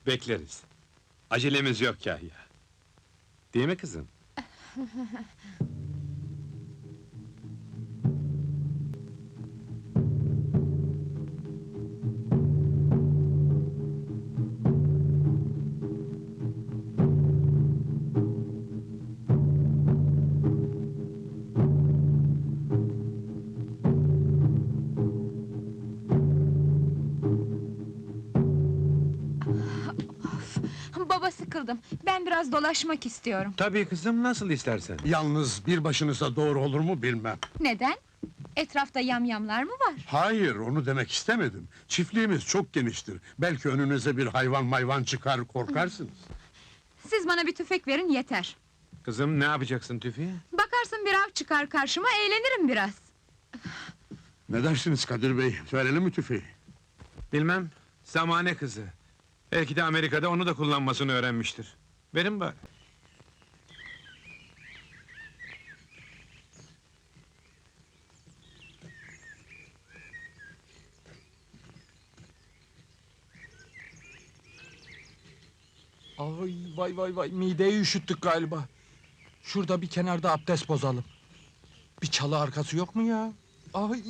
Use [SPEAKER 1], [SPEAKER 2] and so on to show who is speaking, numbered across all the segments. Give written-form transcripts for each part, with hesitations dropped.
[SPEAKER 1] Bekleriz. Acelemiz yok Kahya. Değil mi kızım?
[SPEAKER 2] Baba, sıkıldım. Ben biraz dolaşmak istiyorum.
[SPEAKER 1] Tabii kızım, nasıl istersen.
[SPEAKER 3] Yalnız bir başınıza doğru olur mu bilmem.
[SPEAKER 2] Neden? Etrafta yamyamlar mı var?
[SPEAKER 3] Hayır, onu demek istemedim. Çiftliğimiz çok geniştir. Belki önünüze bir hayvan çıkar, korkarsınız.
[SPEAKER 2] Siz bana bir tüfek verin yeter.
[SPEAKER 1] Kızım, ne yapacaksın tüfeği?
[SPEAKER 2] Bakarsın bir av çıkar karşıma, eğlenirim biraz.
[SPEAKER 3] Ne dersiniz Kadir Bey? Verelim mi tüfeği?
[SPEAKER 1] Bilmem, zamane kızı. Belki de Amerika'da onu da kullanmasını öğrenmiştir. Verin bari.
[SPEAKER 4] Ay vay, mideyi üşüttük galiba. Şurada bir kenarda abdest bozalım. Bir çalı arkası yok mu ya? Ay.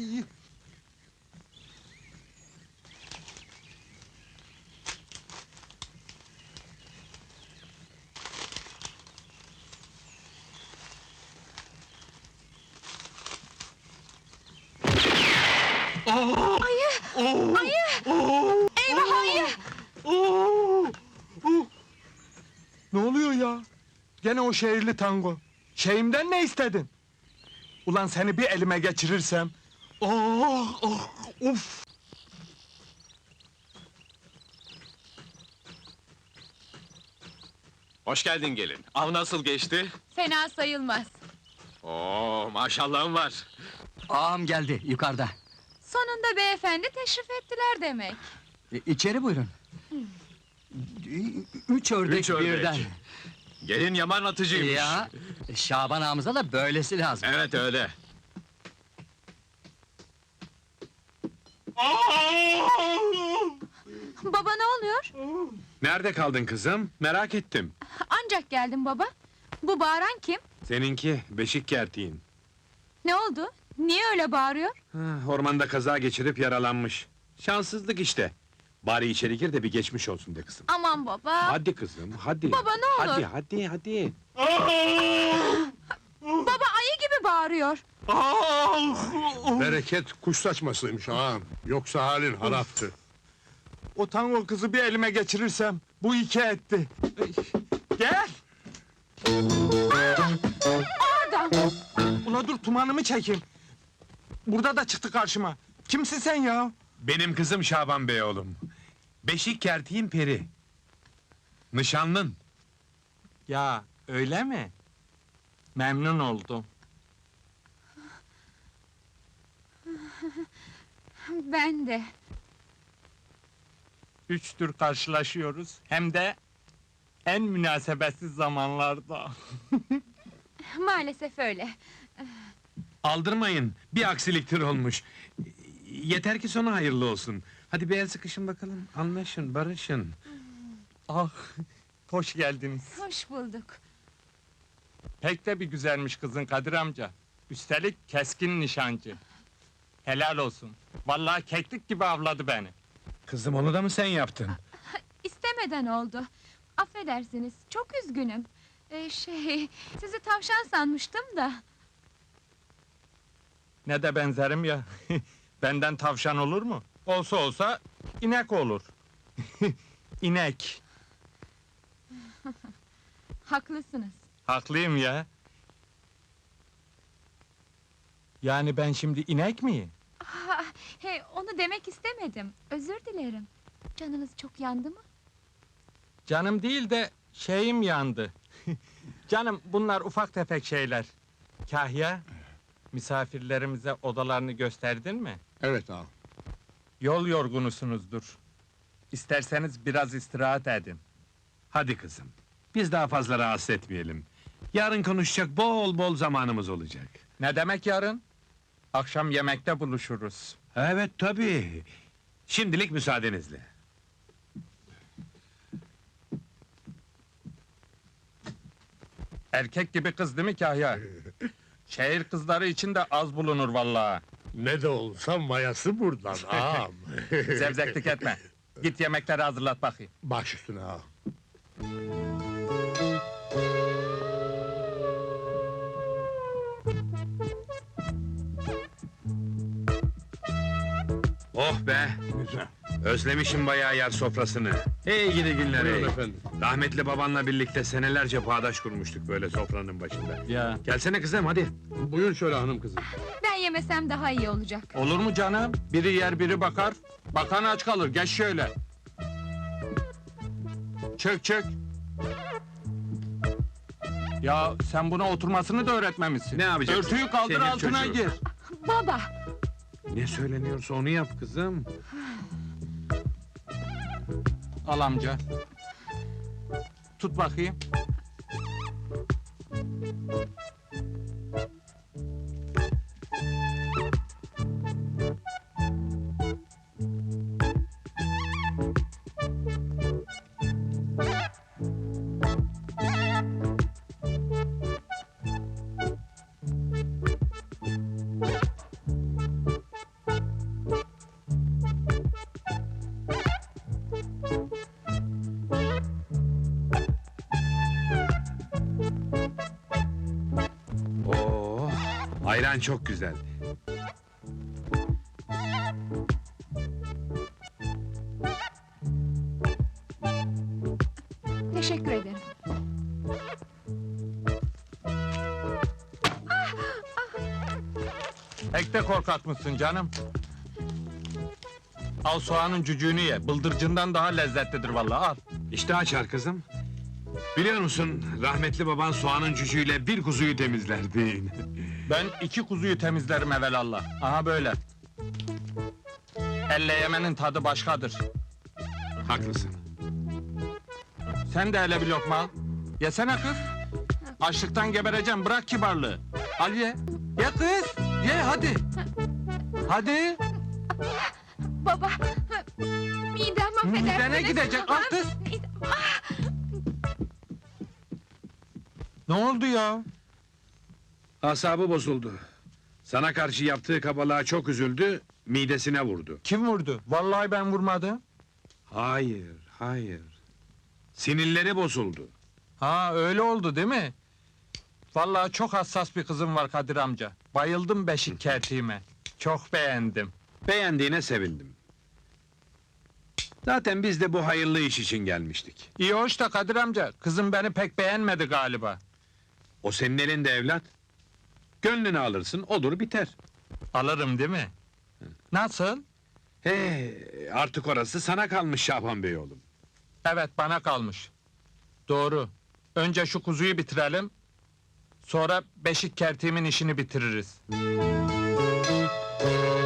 [SPEAKER 2] Ayı! Eyvah, ayı!
[SPEAKER 4] Ne oluyor ya? Gene o şehirli tango. Şeyimden ne istedin? Ulan seni bir elime geçirirsem... Uf!
[SPEAKER 5] Hoş geldin gelin. Av nasıl geçti?
[SPEAKER 2] Fena sayılmaz.
[SPEAKER 5] Oo, maşallahın var.
[SPEAKER 6] Ağam geldi, yukarıda.
[SPEAKER 2] Sonunda beyefendi teşrif ettiler demek.
[SPEAKER 6] İçeri buyurun. Üç ördek,
[SPEAKER 5] Üç ördek.
[SPEAKER 6] birden.
[SPEAKER 5] Gelin yaman atıcıymış.
[SPEAKER 6] Ya, Şaban ağamıza da böylesi lazım.
[SPEAKER 5] Evet öyle.
[SPEAKER 2] Baba, ne oluyor?
[SPEAKER 1] Nerede kaldın kızım? Merak ettim.
[SPEAKER 2] Ancak geldim baba. Bu bağıran kim?
[SPEAKER 1] Seninki, beşik kertiğin.
[SPEAKER 2] Ne oldu? Niye öyle bağırıyor?
[SPEAKER 1] Ormanda kaza geçirip yaralanmış. Şanssızlık işte. Bari içeri gir de bir geçmiş olsun de kızım.
[SPEAKER 2] Aman baba!
[SPEAKER 1] Hadi kızım, hadi.
[SPEAKER 2] Baba, ne olur!
[SPEAKER 1] Hadi.
[SPEAKER 2] Baba, ayı gibi bağırıyor.
[SPEAKER 3] Bereket kuş saçmasıymış ağam. Yoksa halin haraptı.
[SPEAKER 4] O tango kızı bir elime geçirirsem... Bu iki etti. Gel!
[SPEAKER 2] Oradan!
[SPEAKER 4] Ula dur, tumanımı çekeyim. Burada da çıktı karşıma. Kimsin sen ya?
[SPEAKER 1] Benim kızım Şaban Bey oğlum. Beşik kertiğin peri. Nişanlın.
[SPEAKER 4] Ya, öyle mi? Memnun oldum.
[SPEAKER 2] Ben de.
[SPEAKER 4] Üçtür karşılaşıyoruz. Hem de... en münasebetsiz zamanlarda.
[SPEAKER 2] Maalesef öyle.
[SPEAKER 1] Aldırmayın, bir aksiliktir olmuş. Yeter ki sonu hayırlı olsun. Hadi bir el sıkışın bakalım, anlaşın, barışın.
[SPEAKER 4] Ah, hoş geldiniz.
[SPEAKER 2] Hoş bulduk.
[SPEAKER 4] Pek de bir güzelmiş kızın Kadir amca. Üstelik keskin nişancı. Helal olsun. Vallahi keklik gibi avladı beni.
[SPEAKER 1] Kızım, onu da mı sen yaptın?
[SPEAKER 2] İstemeden oldu. Affedersiniz, çok üzgünüm. Sizi tavşan sanmıştım da.
[SPEAKER 4] Ne de benzerim ya. Benden tavşan olur mu? Olsa olsa inek olur. İnek.
[SPEAKER 2] Haklısınız.
[SPEAKER 4] Haklıyım ya. Yani ben şimdi inek miyim?
[SPEAKER 2] Onu demek istemedim. Özür dilerim. Canınız çok yandı mı?
[SPEAKER 4] Canım değil de şeyim yandı. Canım, bunlar ufak tefek şeyler. Kahya, misafirlerimize odalarını gösterdin mi?
[SPEAKER 3] Evet ağam.
[SPEAKER 4] Yol yorgunusunuzdur. İsterseniz biraz istirahat edin.
[SPEAKER 1] Hadi kızım, biz daha fazla rahatsız etmeyelim. Yarın konuşacak bol bol zamanımız olacak.
[SPEAKER 4] Ne demek yarın? Akşam yemekte buluşuruz.
[SPEAKER 1] Evet tabii. Şimdilik müsaadenizle.
[SPEAKER 4] Erkek gibi kız değil mi Kahya? Şehir kızları için de az bulunur vallahi.
[SPEAKER 3] Ne de olsa mayası buradan ağam.
[SPEAKER 4] Zevzeklik etme. Git yemekleri hazırlat bakayım.
[SPEAKER 3] Baş üstüne ağam.
[SPEAKER 1] Oh be!
[SPEAKER 3] Güzel.
[SPEAKER 1] Özlemişim bayağı yer sofrasını. Hey gidi günler hey!
[SPEAKER 3] Buyurun efendim.
[SPEAKER 1] Rahmetli babanla birlikte senelerce bağdaş kurmuştuk böyle sofranın başında.
[SPEAKER 4] Ya.
[SPEAKER 1] Gelsene kızım hadi.
[SPEAKER 3] Buyur şöyle hanım kızım.
[SPEAKER 2] Ben yemesem daha iyi olacak.
[SPEAKER 4] Olur mu canım? Biri yer biri bakar. Bakan aç kalır. Geç şöyle. Çök çök. Ya sen buna oturmasını da öğretmemişsin.
[SPEAKER 1] Ne yapacaksın?
[SPEAKER 4] Örtüyü kaldır
[SPEAKER 1] Senin
[SPEAKER 4] altına
[SPEAKER 1] çocuğun.
[SPEAKER 4] gir.
[SPEAKER 2] Baba,
[SPEAKER 1] Ne söyleniyorsa onu yap kızım.
[SPEAKER 4] Al amca. Tut bakayım.
[SPEAKER 1] Oo, ayran çok güzel.
[SPEAKER 2] teşekkür ederim.
[SPEAKER 4] Pek de korkak mısın canım? Al soğanın cücüğünü ye. Bıldırcından daha lezzetlidir vallahi. Al.
[SPEAKER 1] İşte açar kızım. Biliyor musun, rahmetli baban soğanın cücüğüyle bir kuzuyu temizlerdi.
[SPEAKER 4] Ben 2 kuzuyu temizlerim evelallah. Aha böyle. Elle yemenin tadı başkadır.
[SPEAKER 1] Haklısın.
[SPEAKER 4] Sen de hele bir lokma al. Yesene kız. Açlıktan gebereceğim, bırak kibarlığı. Al ye. Ye kız. Ye hadi. Hadi.
[SPEAKER 2] Baba, midem affedersiniz.
[SPEAKER 4] Midene gidecek, al kız. Ne oldu ya?
[SPEAKER 1] Asabı bozuldu. Sana karşı yaptığı kabalığa çok üzüldü, midesine vurdu.
[SPEAKER 4] Kim vurdu? Vallahi ben vurmadım.
[SPEAKER 1] Hayır, hayır. Sinirleri bozuldu.
[SPEAKER 4] Ha öyle oldu değil mi? Vallahi çok hassas bir kızım var Kadir amca. Bayıldım beşik kertiğime. Çok beğendim.
[SPEAKER 1] Beğendiğine sevindim. Zaten biz de bu hayırlı iş için gelmiştik.
[SPEAKER 4] İyi hoş da Kadir amca, kızım beni pek beğenmedi galiba.
[SPEAKER 1] O senin elinde evlat. Gönlünü alırsın, olur biter.
[SPEAKER 4] Alırım değil mi? Nasıl?
[SPEAKER 1] Artık orası sana kalmış Şaban Bey oğlum.
[SPEAKER 4] Evet bana kalmış. Doğru. Önce şu kuzuyu bitirelim. Sonra beşik kertiğimin işini bitiririz.